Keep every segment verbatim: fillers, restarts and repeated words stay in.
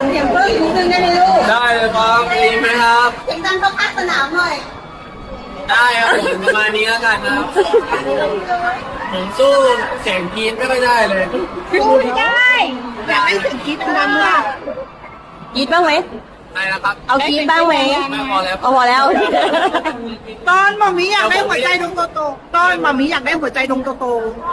เสียงเพิ่มอีกนิดนึงได้ไหมลูกได้เลยครับดีไหมครับเสียงดังต้องพักสนามหน่อยได้ครับผมประมาณนี้แล้วกันครับผมสู้เสียงกรี๊ดไม่ค่อยได้เลยสู้ไม่ได้อยากให้เสียงกรี๊ดดังๆค่ะกรี๊ดบ้างไหมได้แล้วครับเอากรี๊ดบ้างไหมไม่พอแล้วเอาพอแล้วตอนหมอมีอยากได้หัวใจดวงโตๆตอนหมอมีอยากได้หัวใจดวงโตๆ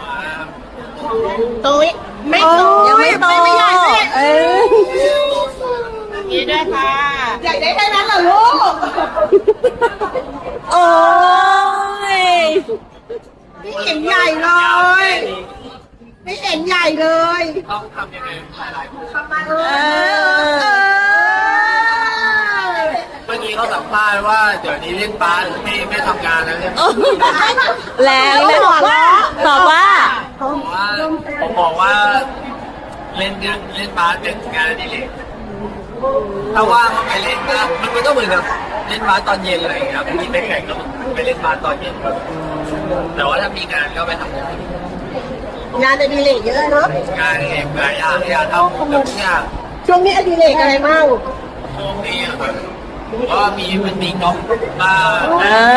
โตยไม่โตยังไม่โตไม่ใหญ่เลยเออนี่ด้วยค่ะอยากได้แค่นั้นเหรอลูกโอ้ยไม่เห็นใหญ่เลย ไม่เห็นใหญ่เลยต้องทำยังไงหลายๆคนเมื่อกี้เขาสัมภาษณ์ว่าเดี๋ยวนี้เล่นบาสไม่ไม่ทำงานแล้วเนี่ยแรงเลยตอบว่าตอบว่าผมว่าผมบอกว่าเล่นเล่นเล่นบาสเป็นงานอดิเรกถ้าว่างก็ไปเล่นก็มันก็เหมือนกับเล่นบาสตอนเย็นอะไรอย่างเงี้ยครับมีไปแข่งก็ไปเล่นบาสตอนเย็นแต่ว่าถ้ามีงานก็ไปทำงานงานอดิเรกเยอะเนาะงานเองหลายอย่างอยากทำแบบทุกอย่างช่วงนี้อดิเรกอะไรบ้างช่วงนี้ครับก็มีมันมีกอล์ฟมาอ่า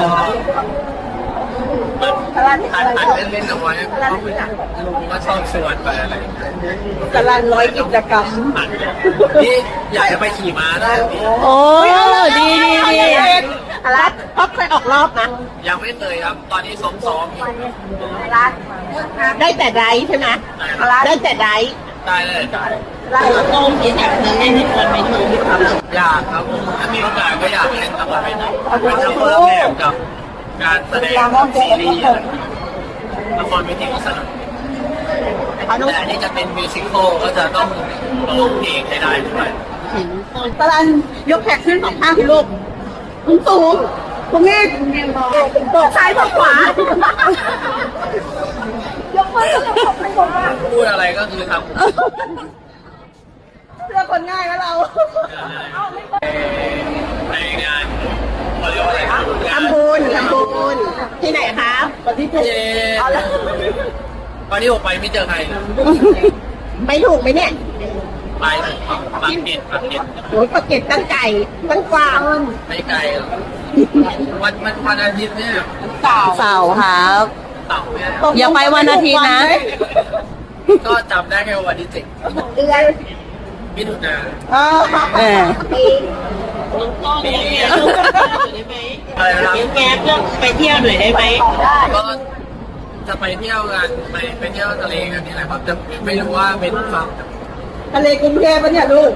อันอันเล่นเล่นเอาไว้ลุงก็ชอบชวนไปอะไรตารางร้อยกิจกรรมนี่อยากจะไปขี่ม้าได้โอ้ดีดีดีรัฐท็อปเคยออกรอบนะยังไม่เคยครับตอนนี้ซ้อมซ้อมรัฐได้แต่ไดใช่ไหมได้แต่ไดได้เลยรัฐโต้กินแบบนี้ให้ทุกคนไปดูอยากครับผมถ้ามีโอกาสก็อยากเล่นตลอดไปนะเป็นทำเพื่อแม่กับการแสดงซีรีส์ละครเวทีก็สนุกแต่อันนี้จะเป็นมิวสิควลก็จะต้องร้องเพลงให้ได้ด้วยตารางยกแขกขึ้นสองข้างคุณลูกคุณสูงตรงนี้ตกซ้ายตกขวายกมือตกไปตกมาพูดอะไรก็คือทำเพื่อคนง่ายแล้วเราในงานเขาเรียกว่าอะไรครับทำบุญทำบุญที่ไหนครับวันที่เจ็ดตอนนี้ผมไปไม่เจอใครไม่ถูกไหมเนี่ยไปปากเก็ตปากเก็ตโอ้ยปากเก็ตตั้งไก่ตั้งกวางไม่ไกลวันมันวันอาทิตย์เนี่ยเสาร์เสาร์ครับเสาร์เนี่ยอย่าไปวันอาทิตย์นะก็จำได้แค่วันที่เจ็ดเดือนมิถุนาเออปีปีอะไรนะแกเพื่อไปเที่ยวหน่อยได้ไหมก็จะไปเที่ยวกันไปไปเที่ยวทะเลกันนี่แหละครับจะไม่รู้ว่าเป็นฝั่งทะเลกรุงเทพปะเนี่ยลูก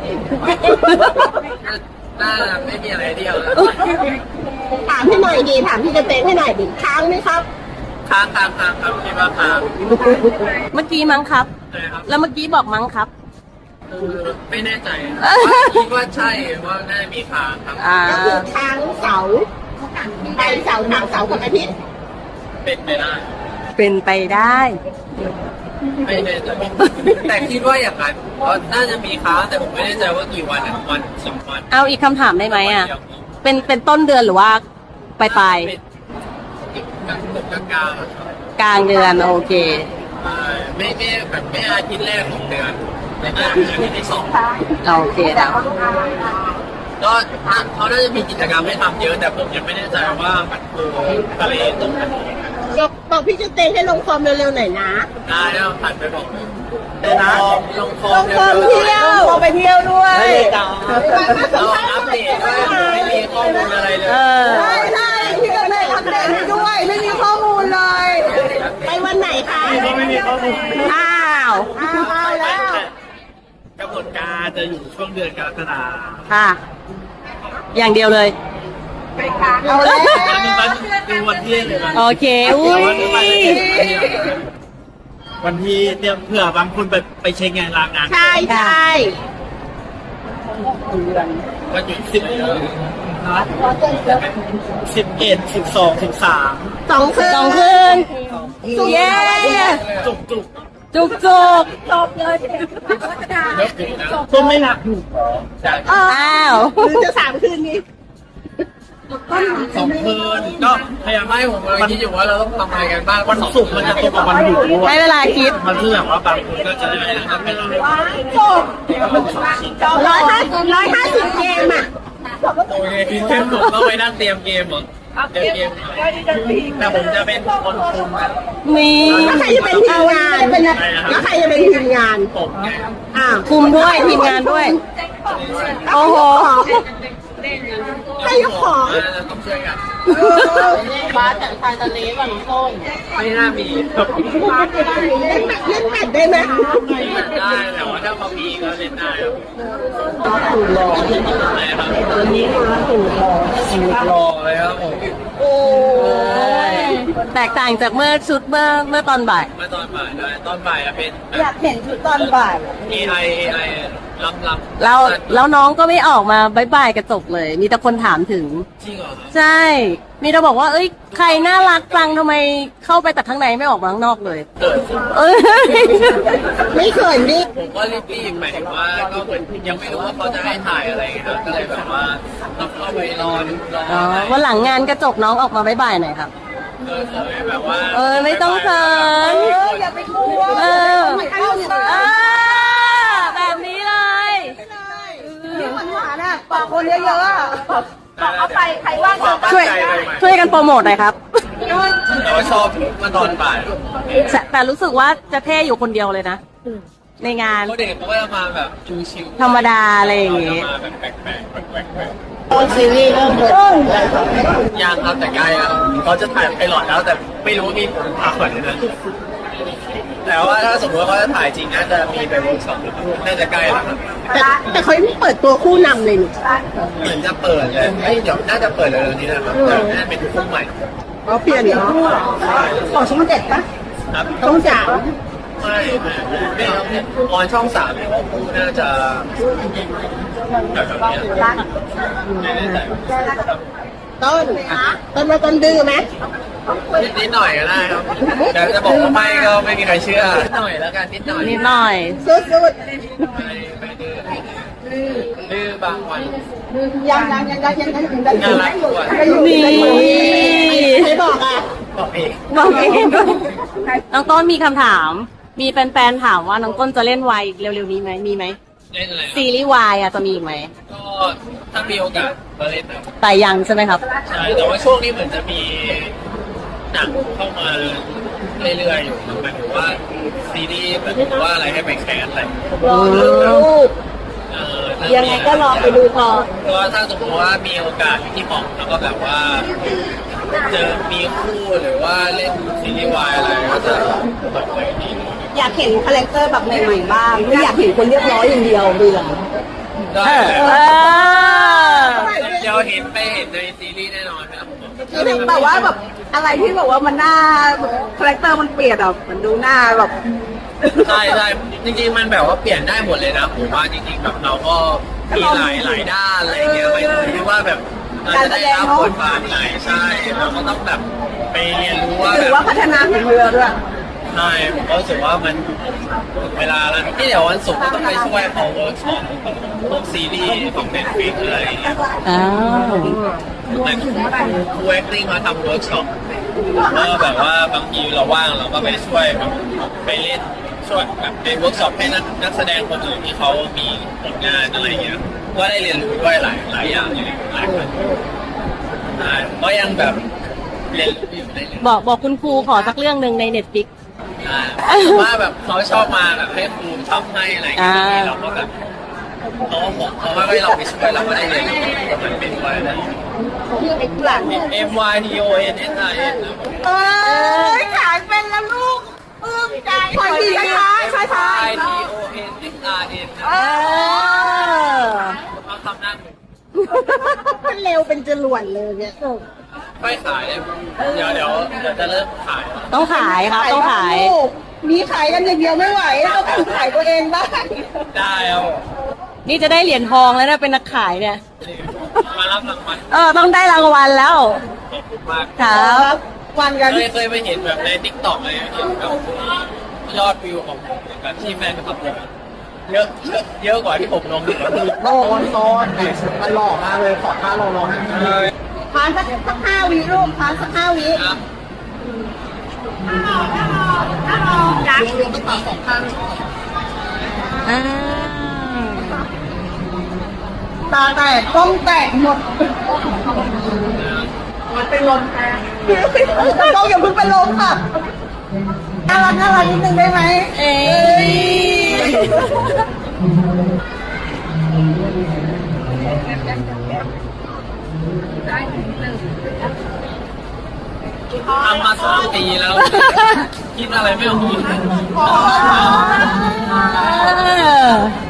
น่าไม่มีอะไรเที่ยวแล้วถามพี่หน่อยดีถามพี่กระเตนให้หน่อยดิค้างไหมครับค้างค้างค้างครับคิดว่าค้างเมื่อกี้มั้งครับแล้วเมื่อกี้บอกมั้งครับไม่แน่ใจคิดว่าใช่ว่าน่าจะมีค้างครับก็คือค้างเสาไปเสาทางเสากับอาทิตย์เป็นไปได้เป็นไปได้ไม่แน่ใจแต่คิดว่าอย่างนั้นเพราะน่าจะมีค้างแต่ผมไม่แน่ใจว่ากี่วันวันสองวันเอาอีกคำถามได้ไหมอ่ะเป็นเป็นต้นเดือนหรือว่าปลายปลายกลางกลางกลางกลางเดือนโอเคไม่ไม่แบบไม่อาทิตย์แรกของเดือนในเดือนอาทิตย์ที่สองโอเคแล้วก็เขาน่าจะมีกิจกรรมให้ทำเยอะแต่ผมยังไม่แน่ใจว่ามันคือทะเลตรงไหนบอกพี่จะเต้นให้ลงฟอร์มเร็วๆหน่อยนะได้แล้วผ่านไปบอกนะลงฟอร์มลงฟอร์มเที่ยวลงไปเที่ยวด้วยเราอัปเดตด้วยไม่มีข้อมูลอะไรเลยใช่ใช่พี่ก็เลยอัปเดตให้ด้วยไม่มีข้อมูลเลยไปวันไหนคะไม่มีข้อมูลอ้าวอ้าวแล้วกำหนดการจะอยู่ช่วงเดือนกรกฎาคมค่ะอย่างเดียวเลยเอาเลยดูวันที่เลยโอเคอุ้ยวันที่เนี่ยเผื่อบางคนไปไปเช็คงานลางานใช่ใช่วันหยุดสิบสิบเอ็ดสิบสองสิบสามสองคืนสองคืนเย้จุกจุกจุกจุกจบเลยก็ไม่หนักอยู่อ้าวหรือจะสามคืนนี้สองคืนก็พยายามให้ผมเลยคิดอยู่ว่าเราต้องทำอะไรกันบ้างวันศุกร์มันจะตรงกับวันหยุดด้วยให้เวลาคิดมันคือแบบว่าบางคนก็จะได้นะครับเป็นจบร้อยห้าร้อยห้าสิบเกมอ่ะโอเคเกมผมต้องไปนั่งเตรียมเกมเหรอเตรียมเกมแต่ผมจะเป็นคนคุมนะมีแล้วใครจะเป็นทีมงานแล้วใครจะเป็นทีมงานผมไงอ่าคุมด้วยทีมงานด้วย โอ้โหให้ยกของต้องช่วยกันบ้าแต่ชายทะเลฝั่งต้นไม่น่ามีเล่นแมตช์เล่นแมตช์ได้ไหมได้แต่ว่าถ้าเขามีก็เล่นได้ครับตัวนี้มาสูตรรอสูตรรอเลยครับผมโอ้ยแตกต่างจากเมื่อชุดเมื่อเมื่อตอนบ่ายเมื่อตอนบ่ายได้ตอนบ่ายอะเป็นอยากเห็นชุดตอนบ่ายเอไอเอไอลำลำแล้วแล้วน้องก็ไม่ออกมาบายบายกระจกเลย มีแต่คนถามถึงจริงเหรอครับใช่ มีแต่บอกว่า เอ้ย ใครน่ารักจังทำไมเข้าไปแต่ข้างในไม่ออกมาข้างนอกเลยเกิดเอ้ยไม่เขินดิผมก็รีบๆหมายถึงว่าก็เหมือนยังไม่รู้ว่าเขาจะให้ถ่ายอะไรครับก็เลยแบบว่าต้องเข้าไปนอนรออ๋อวันหลังงานกระจกน้องออกมาบายบายหน่อยครับเออเคยแบบว่าเออ ไม่ต้องเขินเอออย่าไปกลัวเออไม่เข้าเลยเออแบบนี้เลยนี่หวานหวานๆอ่ะปากคนเยอะๆอ่ะเอาไปใครว่างความก็ตั้งช่วยใจเลยช่วยกันโปรโมทหน่อยครับแต่ว่าชอบมาตอนบ่ายแต่แต่รู้สึกว่าจะเท่อยู่คนเดียวเลยนะ ในงานเขาเด็กเขาก็จะมาแบบชิวๆธรรมดาอะไรอย่างเงี้งี้มาแบบแปลกๆแปลกๆแปลกต้นซีรีส์เริ่มเลยๆยังครับแต่ใกล้แล้วเขาจะถ่ายไพลอตแล้วแต่ไม่รู้มีผ่าขวัญนะแต่ว่าถ้าสมมติว่าเขาจะถ่ายจริงน่าจะมีไปเวิร์กช็อปน่าจะใกล้แล้วครับแต่แต่เขายังไม่เปิดตัวคู่นำเลยนี่เหมือนจะเปิดเลยเอ้ยเดี๋ยวน่าจะเปิดเร็วๆนี้นะครับแต่น่าจะเป็นคู่ใหม่เขาเปลี่ยนเนาะของช่องเจ็ดปะครับช่องสามไม่ไม่ไม่ออนช่องสามเนี่ยคู่น่าจะแบบแบบนี้ไม่แน่ใจต้นต้นมาต้นดื้อไหมนิดหน่อยก็ได้ครับแต่จะบอกว่าไม่ก็ไม่มีใครเชื่อนิดหน่อยแล้วกันนิดหน่อยนิดหน่อยสุดสุดไม่ไม่ดื้อดื้อบางวันยังยังยังยังยังยังยังน่ารักกว่านี่ใครบอกอ่ะบอกเองบอกเองด้วยน้องต้นมีคำถาม มีแฟนๆถามว่าน้องต้นจะเล่นวายเร็วๆนี้ไหมมีไหมเล่นอะไรครับซีรีส์วายอะจะมีอีกไหมก็ถ้ามีโอกาสก็เล่นนะแต่ยังใช่ไหมครับใช่แต่ว่าช่วงนี้เหมือนจะมีหนังเข้ามาเรื่อยๆอยู่หมายถึงว่าซีรีส์หมายถึงว่าอะไรให้ไปแคสอะไรรอดูเออยังไงก็รอไปดูก่อนก็ถ้าสมมติว่ามีโอกาสที่เหมาะแล้วก็แบบว่าเจอมีคู่หรือว่าเล่นซีรีส์วายอะไรก็จะเปิดเผยดีอยากเห็นคาแรคเตอร์แบบใหม่ๆบ้างไม่อยากเห็นคนเรียบร้อยอย่างเดียวเบื่อได้เออเดี๋ยวเห็นไปเห็นในซีรีส์แน่นอนครับแต่ว่าแบบอะไรที่แบบว่ามันหน้าคาแรคเตอร์มันเปลี่ยนอ่ะมันดูหน้าแบบใช่ใช่จริงๆมันแบบว่าเปลี่ยนได้หมดเลยนะผมว่าจริงๆแบบเราก็มีหลายหลายด้านอะไรเงี้ยไม่รู้ว่าแบบเราจะได้รับบทบาทไหนใช่เราก็ต้องแบบไปเรียนรู้ว่าหแบรือบ ว่าพัฒนาฝีมือด้วยใช่ผมก็รู้สึกว่ามันถึงเวลาแล้วที่เดี๋ยววันศุกร์ก็ต้องไปช่วยเขาเวิร์กช็อปพวกซีรีส์ของเน็ตฟลิกอะไรอย่างเงี้ยอ้าวเหมือนครูแอคติ้งมาทำเวิร์กช็อปก็แบบว่าบางทีเราว่างเราก็ไปช่วยแบบไปเล่นช่วยแบบไปเวิร์กช็อปให้นักนักแสดงคนอื่นที่เขามีผลงานอะไรอย่างเงี้ยก็ได้เรียนรู้ด้วยหลายหลายอย่างเลยหลายคนใช่ก็ยังแบบเรียนรู้อยู่ได้เลยบอกบอกคุณครูขอสักเรื่องหนึ่งในเน็ตฟิกว่าแบบเขาชอบมาแบบให้ครูทำให้อะไรอย่างเงี้ยอ่าเราก็แบบเขาก็บอกเขาว่าให้เราไปช่วยเราก็ได้เรียนรู้มันเป็นไว้นะชื่อไอ้หลัง M Y T O N S I N นะผมเอ้ยขายเป็นแล้วลูกปลื้มใจคอยดีช้าช้าช้า I T O N S I N นะเออเขาทำหน้าหนึ่งมันเร็วเป็นจรวดเลยเนี่ยไม่ขายเลยเดี๋ยวเดี๋ยวเดี๋ยวจะเริ่มขายต้องขายครับ ต้องขายมีขายกันอย่างเดียวไม่ไหวเราต้องขายตัวเองบ้างได้เอานี่จะได้เหรียญทองแล้วนะเป็นนักขายเนี่ยมารับรางวัลเออ ต้องได้รางวัลแล้วขอบคุณมากครับวันกันเคยเคยไปเห็นแบบในทิกตอกเลยเห็นแบบยอดวิวของผมแบบที่แฟนคลับผมเยอะเยอะเยอะกว่าที่ผมลงอีกโลกอนโซนมันหล่อมากเลยขอท่าเราลองเออพาานสักสักห้าวิลูกทานสักห้าวิครับจักรวมๆต้องปากสองข้างอ่าตาแตกกล้องแตกหมดมันเป็นลมแทนกล้องอย่าเพิ่งเป็นลมค่ะน่ารักน่ารักนิดนึงได้ไหมเอ้ยทำมาสองปีแล้ว คิดอะไรไม่ออกเออ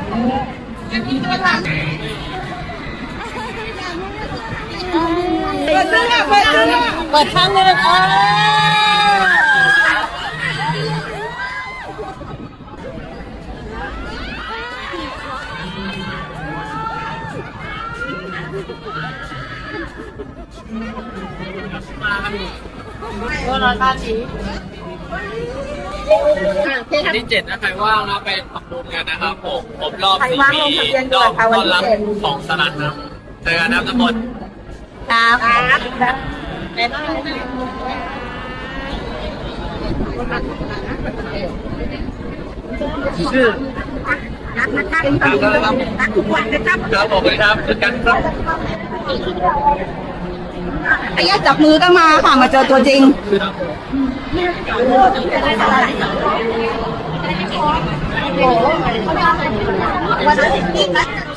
เปิดเรื่องเปิดเรื่องเปิดข้างหนึงเออมากันตัวเราตาสีวันที่เจ็ดนะใครว่างนะไปทำบุญกันนะครับผมผมรอบสี่ปีรอบตอนรับของสลัดนะเจอกันนะครับทุกคนครับเป็นชื่อครับครับครับผมเลยครับเจอกันครับไอ้ยาจับมือกันมาค่ะมาเจอตัวจริง วันอาทิตย์นี้นะ